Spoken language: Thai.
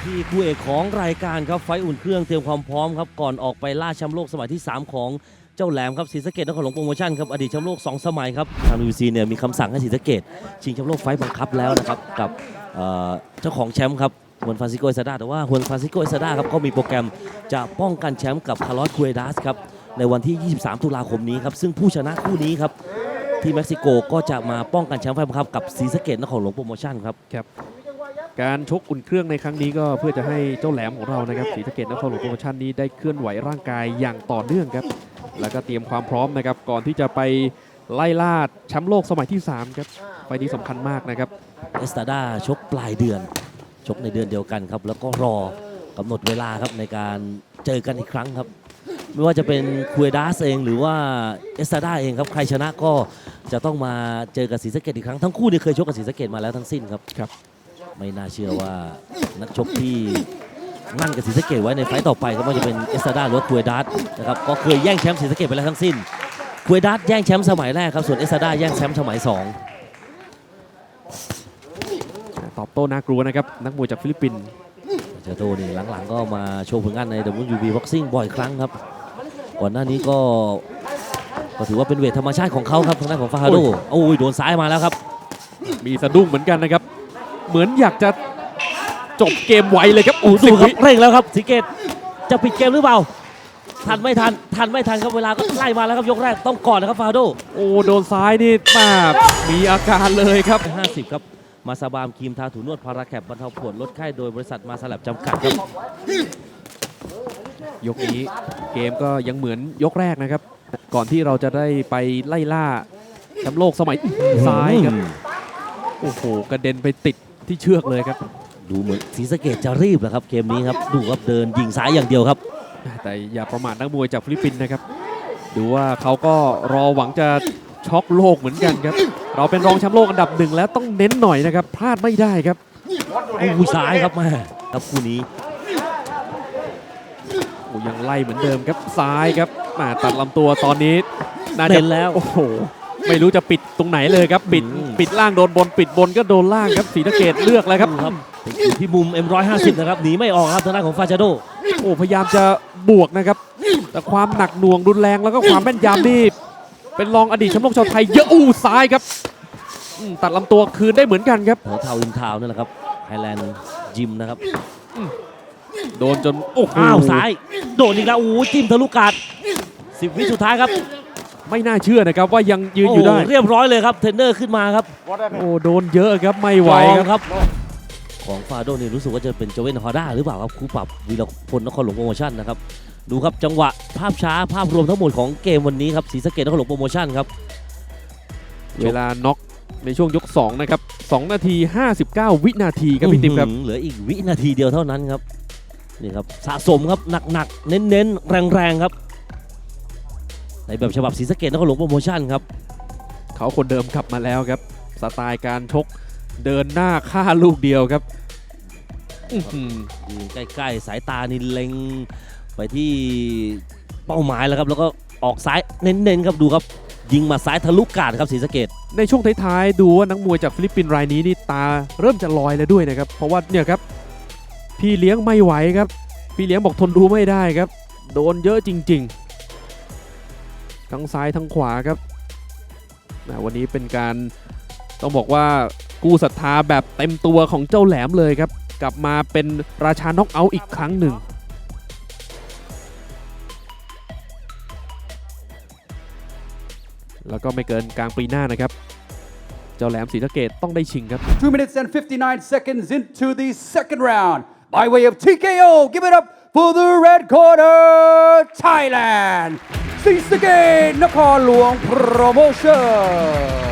ที่คู่เอกของรายการครับไฟอุ่นเครื่องเตรียมความพร้อมครับก่อนออกไปล่าแชมป์โลกสมัยที่ 3 ของเจ้าแหลมครับศรีสะเกษนครหลวงโปรโมชั่นครับอดีตแชมป์โลก2 สมัยครับทาง WBC เนี่ยมีคำสั่งให้ศรีสะเกษชิงแชมป์โลกไฟบังคับแล้วนะครับกับเจ้าของแชมป์ครับฮวนฟรานซิโก เอซาดาแต่ว่าฮวนฟรานซิโก เอซาดาครับก็มีโปรแกรมจะป้องกันแชมป์กับคาร์ลอส คูเอดัสครับในวันที่ 23 ตุลาคมนี้ครับซึ่งผู้ชนะคู่นี้ครับที่เม็กซิโกก็จะมาป้องกันแชมป์ไฟบังคับกับศรีสะเกษนครหลวงโปรโมชั่นครับการชกอุ่นเครื่องในครั้งนี้ก็เพื่อจะให้เจ้าแหลมของเรานะครับศรีสะเกษนครหลวงโปรโมชั่นนี้ได้เคลื่อนไหวร่างกายอย่างต่อเนื่องครับแล้วก็เตรียมความพร้อมนะครับก่อนที่จะไปไล่ล่าแชมป์โลกสมัยที่ 3 ครับไฟล์นี้สำคัญมากนะครับเอสตาดาชกปลายเดือนชกในเดือนเดียวกันครับแล้วก็รอกำหนดเวลาครับในการเจอกันอีกครั้งครับไม่ว่าจะเป็นคูเอดัสเองหรือว่าเอสตาดาเองครับใครชนะก็จะต้องมาเจอกับศรีสะเกษอีกครั้งทั้งคู่นี่เคยชกกับศรีสะเกษมาแล้วทั้งสิ้นครับไม่น่าเชื่อว่านักชกที่นั่นกับศรีสะเกษไว้ในไฟต์ต่อไปก็ไม่ว่าจะเป็นเอสตาดาหรือว่าคูเอดัสนะครับก็เคยแย่งแชมป์ศรีสะเกษไปแล้วทั้งสิ้นคูเอดัสแย่งแชมป์สมัยแรกครับส่วนเอสตาดาแย่งแชมป์สมัย2 ตอบโต้น่ากลัวนะครับนักมวยจากฟิลิปปินส์เจโตนี่หลังๆก็มาโชว์ผลงานใน WBC Boxing บ่อยครั้งครับก่อนหน้านี้ก็ถือว่าเป็นเวทธรรมชาติของเขาครับทางด้านของฟาฮาโดโอ้ยโดนซ้ายมาแล้วครับมีสะดุ้งเหมือนกันนะครับเหมือนอยากจะจบเกมไวเลยครับดูครับเร่งแล้วครับศรีสะเกษจะปิดเกมหรือเปล่าทันไม่ทันครับเวลาก็ไล่มาแล้วครับยกแรกต้องก่อนนะครับฟาฮาโดโอ้โดนซ้ายนี่มีอาการเลยครับ 50ครับมาซาบามครีมทาถูนวดพาราแคปบรรเทาปวดลดไข้โดยบริษัทมาสลับจำกัดครับยกนี้เกมก็ยังเหมือนยกแรกนะครับก่อนที่เราจะได้ไปไล่ล่าแชมป์โลกสมัยซ้ายครับโอ้โหกระเด็นไปติดที่เชือกเลยครับดูเหมือนศรีสะเกษจะรีบนะครับเกมนี้ครับดูครับเดินยิงซ้ายอย่างเดียวครับแต่อย่าประมาทนักมวยจากฟิลิปปินส์นะครับดูว่าเขาก็รอหวังจะช็อกโลกเหมือนกันครับเราเป็นรองแชมป์โลกอันดับ1แล้วต้องเน้นหน่อยนะครับพลาดไม่ได้ครับโอ้ซ้ายครับมาครับคู่นี้โอ้ยังไล่เหมือนเดิมครับซ้ายครับมาตัดลำตัวตอนนี้น่าจะแล้วโอ้โหไม่รู้จะปิดตรงไหนเลยครับปิดล่างโดนบนปิดบนก็โดนล่างครับศรีสะเกษเลือกแล้วครับอยู่ที่มุม M150 นะครับหนีไม่ออกครับทางด้านของฟาจาโดโอ้พยายามจะบวกนะครับแต่ความหนักหน่วงรุนแรงแล้วก็ความแม่นยำนี่เป็นรองอดีตแชมป์โลกชาวไทยเยอะซ้ายครับตัดลำตัวคืนได้เหมือนกันครับเท้าอินทาวนั่นแหละครับไฮแลนด์ยิมนะครับโดนจนโอ้โหซ้ายโดนอีกแล้วจิ้มทะลุกาด10 วิสุดท้ายครับไม่น่าเชื่อนะครับว่ายังยืนอยู่ได้เรียบร้อยเลยครับเทรนเนอร์ขึ้นมาครับโอ้โดนเยอะครับไม่ไหวครับของฟาโดนี่รู้สึกว่าจะเป็นโจเวนฮอด้าหรือเปล่าครับคู่ปรับวีรพลนครหลวงโปรโมชั่นนะครับดูครับจังหวะภาพช้าภาพรวมทั้งหมดของเกมวันนี้ครับศรีสะเกษนครหลวงโปรโมชั่นครับเวลาน็อกในช่วงยก2นะครับ2 นาที 59 วินาทีครับพี่ติ๊มครับเหลืออีกวินาทีเดียวเท่านั้นครับนี่ครับสะสมครับหนักๆเน้นๆแรงๆครับในแบบฉบับศรีสะเกษนครหลวงโปรโมชั่นครับเขาคนเดิมกลับมาแล้วครับสไตล์การชกเดินหน้าฆ่าลูกเดียวครับยืนใกล้ๆสายตานี่เล็งไปที่เป้าหมายแล้วครับแล้วก็ออกซ้ายเน้นๆครับดูครับยิงมาซ้ายทะลุกาดครับศรีสะเกษในช่วงท้ายๆดูว่านักมวยจากฟิลิปปินส์รายนี้นี่ตาเริ่มจะลอยแล้วด้วยนะครับเพราะว่าเนี่ยครับพี่เลี้ยงไม่ไหวครับพี่เลี้ยงบอกทนดูไม่ได้ครับโดนเยอะจริงๆทั้งซ้ายทั้งขวาครับวันนี้เป็นการต้องบอกว่ากู้ศรัทธาแบบเต็มตัวของเจ้าแหลมเลยครับกลับมาเป็นราชาน็อกเอาท์อีกครั้งหนึ่งแล้วก็ไม่เกินกลางปีหน้านะครับเจ้าแหลมศรีสะเกษต้องได้ชิงครับ 2 minutes and 59 seconds into the second round by way of TKO give it up for the red corner Thailand ศรีสะเกษนครหลวง Promotion